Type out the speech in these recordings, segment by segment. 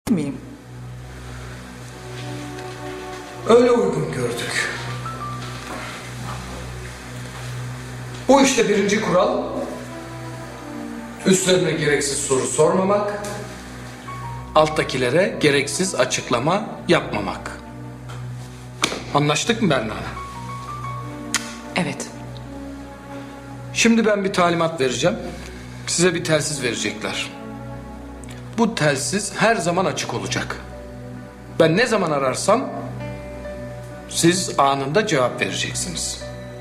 miyim? Öyle uygun gördük. Bu işte birinci kural, üstlerine gereksiz soru sormamak, alttakilere gereksiz açıklama yapmamak. Anlaştık mı Berna? Evet. Şimdi ben bir talimat vereceğim. Size bir telsiz verecekler. Bu telsiz her zaman açık olacak. Ben ne zaman ararsam siz anında cevap vereceksiniz.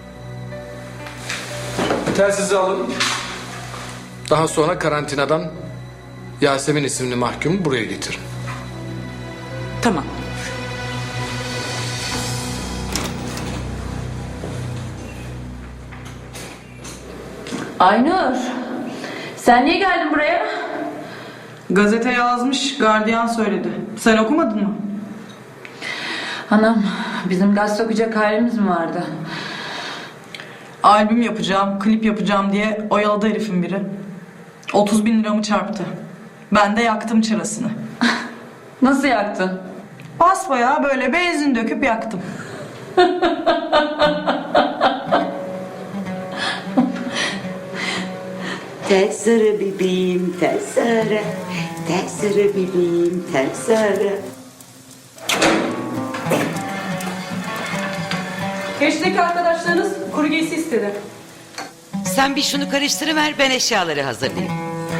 Telsizi alın. Daha sonra karantinadan Yasemin isimli mahkumu buraya getirin. Tamam. Aynur, sen niye geldin buraya? Gazete yazmış, gardiyan söyledi. Sen okumadın mı? Hanım, bizim gaz sokacak halimiz mi vardı? Albüm yapacağım, klip yapacağım diye oyaladı herifin biri. 30.000 liramı çarptı. Ben de yaktım çırasını. Nasıl yaktın? Basbayağı böyle benzin döküp yaktım. Tersere bebeğim tersere, tersere bebeğim tersere. Keşteki arkadaşlarınız kuru giysi istedi. Sen bir şunu karıştırıver, ben eşyaları hazırlayayım.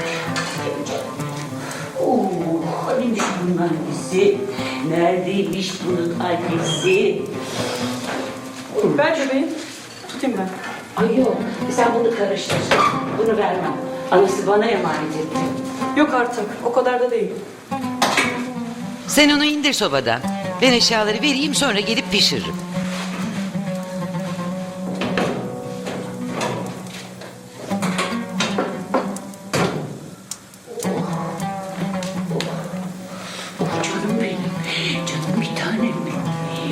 Neymiş bunun annesi? Neredeymiş bunun annesi? Ver bebeğim. Tutayım ben. Ay yok, sen bunu karıştır. Bunu vermem. Anası bana emanet etti. Yok artık. O kadar da değil. Sen onu indir sobadan. Ben eşyaları vereyim, sonra gelip pişiririm. Canım benim, canım bir tanem benim.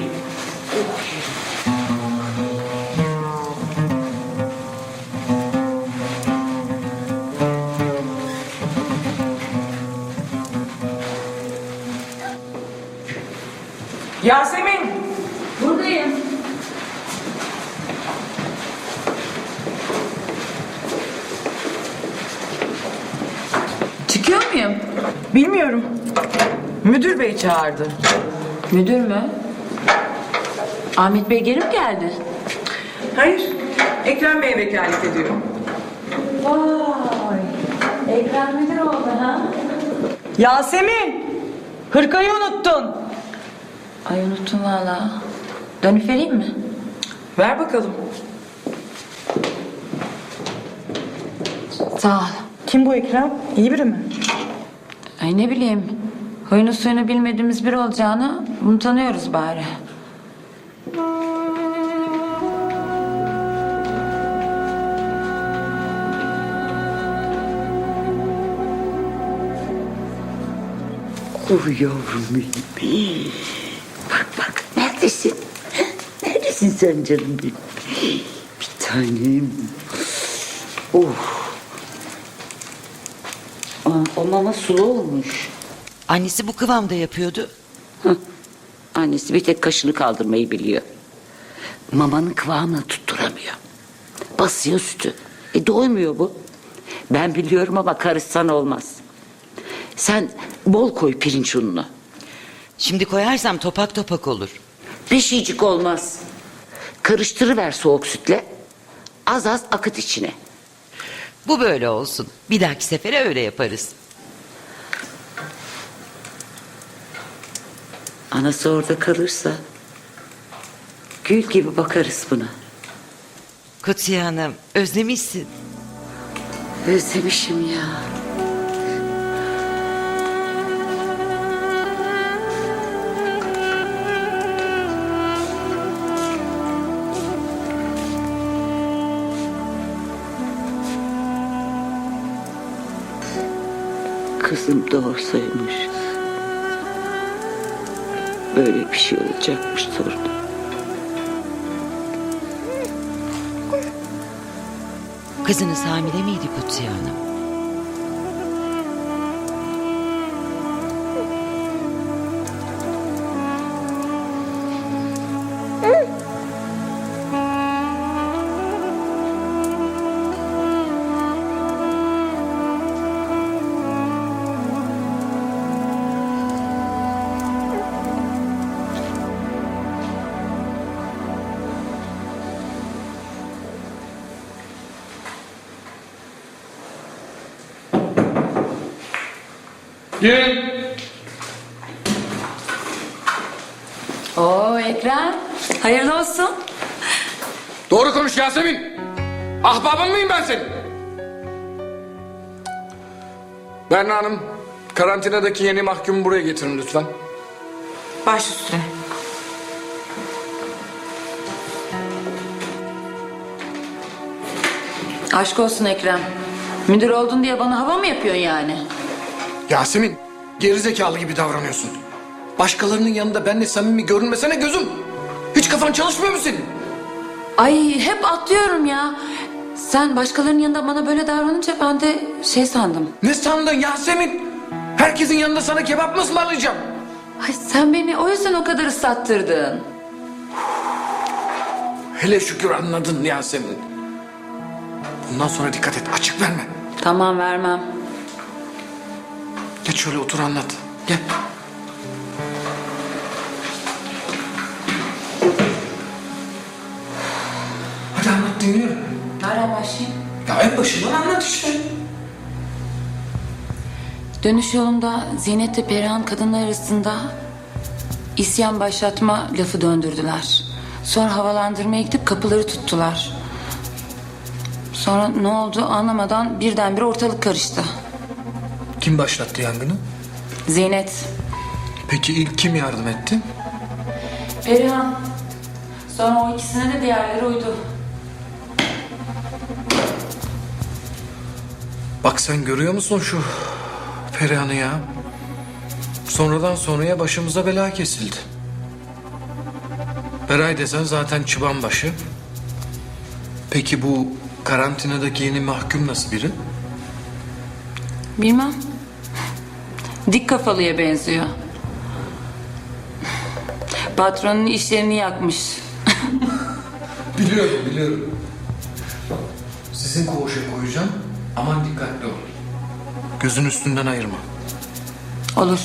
Yasemin! Buradayım. Çıkıyor muyum? Bilmiyorum. Müdür bey çağırdı. Müdür mü? Ahmet Bey geri mi geldi? Hayır, Ekrem Bey vekalet ediyor. Vay! Ekrem müdür oldu ha? Yasemin! Hırkayı unuttun. Ay unuttum valla. Dönüp vereyim mi? Ver bakalım. Sağ ol. Kim bu Ekrem? İyi biri mi? Ay ne bileyim. Huyunu suyunu bilmediğimiz biri olacağını bunu tanıyoruz bari. Oh yavrum benim. Bak bak, neredesin? Neredesin sen canım benim? Bir tanem. Oh. O mama sulu olmuş. Annesi bu kıvamda yapıyordu. Annesi bir tek kaşını kaldırmayı biliyor. Mamanın kıvamını tutturamıyor. Basıyor sütü. Doymuyor bu. Ben biliyorum ama karışsan olmaz. Sen bol koy pirinç ununu. Şimdi koyarsam topak topak olur. Bir şeycik olmaz. Karıştırıver soğuk sütle. Az az akıt içine. Bu böyle olsun. Bir dahaki sefere öyle yaparız. Anası orada kalırsa gül gibi bakarız buna. Kutsiye Hanım, özlemişsin. Özlemişim ya. Kızım doğursaymış. Böyle bir şey olacakmış torunum. Kızınız hamile miydi Kutsiye Hanım? Girin. Oo Ekrem. Hayırlı olsun. Doğru konuş Yasemin. Ahbabın mıyım ben senin? Berna Hanım, karantinadaki yeni mahkumu buraya getirin lütfen. Baş üstüne. Aşk olsun Ekrem. Müdür oldun diye bana hava mı yapıyorsun yani? Yasemin, gerizekalı gibi davranıyorsun. Başkalarının yanında benimle samimi görünmesene gözüm. Hiç kafan çalışmıyor mu senin? Ay hep atlıyorum ya. Sen başkalarının yanında bana böyle davranınca ben de şey sandım. Ne sandın Yasemin? Herkesin yanında sana kebap mı ısmarlayacağım? Ay sen beni o yüzden o kadar ıslattırdın. Hele şükür anladın Yasemin. Bundan sonra dikkat et, açık verme. Tamam vermem. Geç şöyle otur anlat. Gel. Hadi anlat dinliyorum. Nereden başlayayım? Ya en başından anlat işte. Dönüş yolunda Zeynep ve Perihan kadınlar arasında isyan başlatma lafı döndürdüler. Sonra havalandırmaya gidip kapıları tuttular. Sonra ne oldu anlamadan birdenbire ortalık karıştı. Kim başlattı yangını? Zeynep. Peki ilk kim yardım etti? Perihan. Sonra o ikisine de diğerleri uydu. Bak sen görüyor musun şu Perihan'ı ya? Sonradan sonraya başımıza bela kesildi. Beray desen zaten çıban başı. Peki bu karantinadaki yeni mahkum nasıl biri? Bilmem. Dik kafalıya benziyor. Patronun işlerini yakmış. Biliyorum. Sizin koğuşa koyacağım. Aman dikkatli ol. Gözün üstünden ayırma. Olur.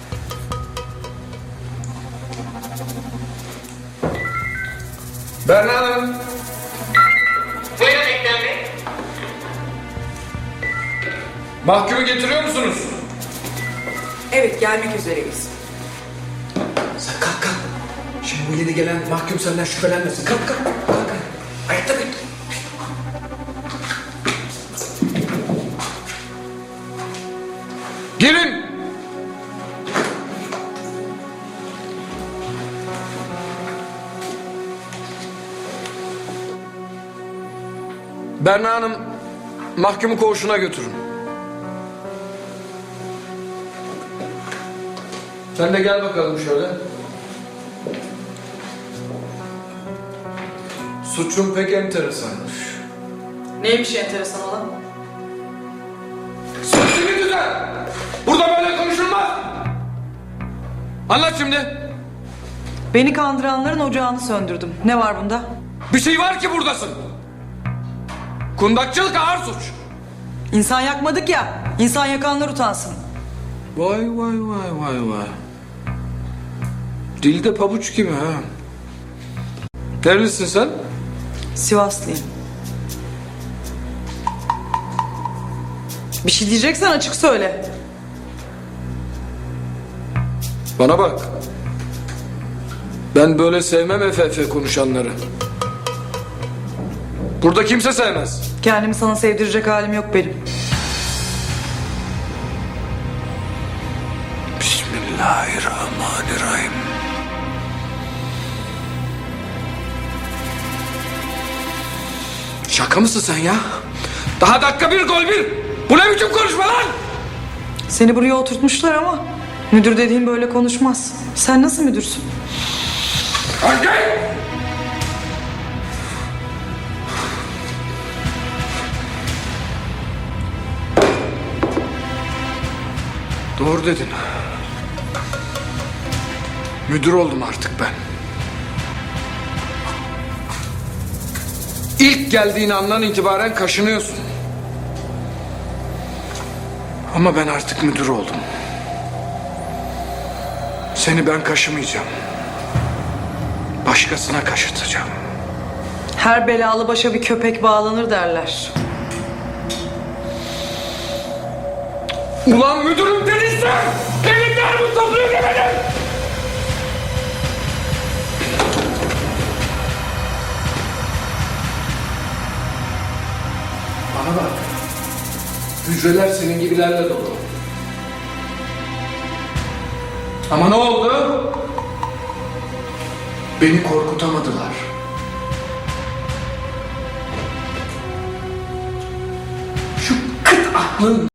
Berna Hanım. Buyurun Ekrem Bey. Mahkumu getiriyor musunuz? Evet, gelmek üzereyiz. Sen kalk. Şimdi bu yeni gelen mahkum senden şüphelenmesin. Kalk. Ayakta bekle. Girin. Berna Hanım, mahkumu koğuşuna götürün. Sen de gel bakalım şöyle. Suçun pek enteresanmış. Neymiş enteresan olan? Sesini düzen! Burada böyle konuşulmaz! Anlat şimdi. Beni kandıranların ocağını söndürdüm. Ne var bunda? Bir şey var ki buradasın. Kundakçılık ağır suç. İnsan yakmadık ya. İnsan yakanlar utansın. Vay. Dilde pabuç gibi ha. Nerelisin sen? Sivaslıyım. Bir şey diyeceksen açık söyle. Bana bak. Ben böyle sevmem FF konuşanları. Burada kimse sevmez. Kendimi sana sevdirecek halim yok benim. Bismillahirrahmanirrahim. Şaka mısın sen ya? Daha dakika bir gol bir. Bu ne biçim konuşma lan? Seni buraya oturtmuşlar ama müdür dediğin böyle konuşmaz. Sen nasıl müdürsün? Hangi? Doğru dedin. Müdür oldum artık ben. İlk geldiğin andan itibaren kaşınıyorsun. Ama ben artık müdür oldum. Seni ben kaşımayacağım. Başkasına kaşıtacağım. Her belalı başa bir köpek bağlanır derler. Ulan müdürüm dedin sen! Bana bak. Hücreler senin gibilerle dolu. Ama ne oldu? Beni korkutamadılar. Şu kıt aklın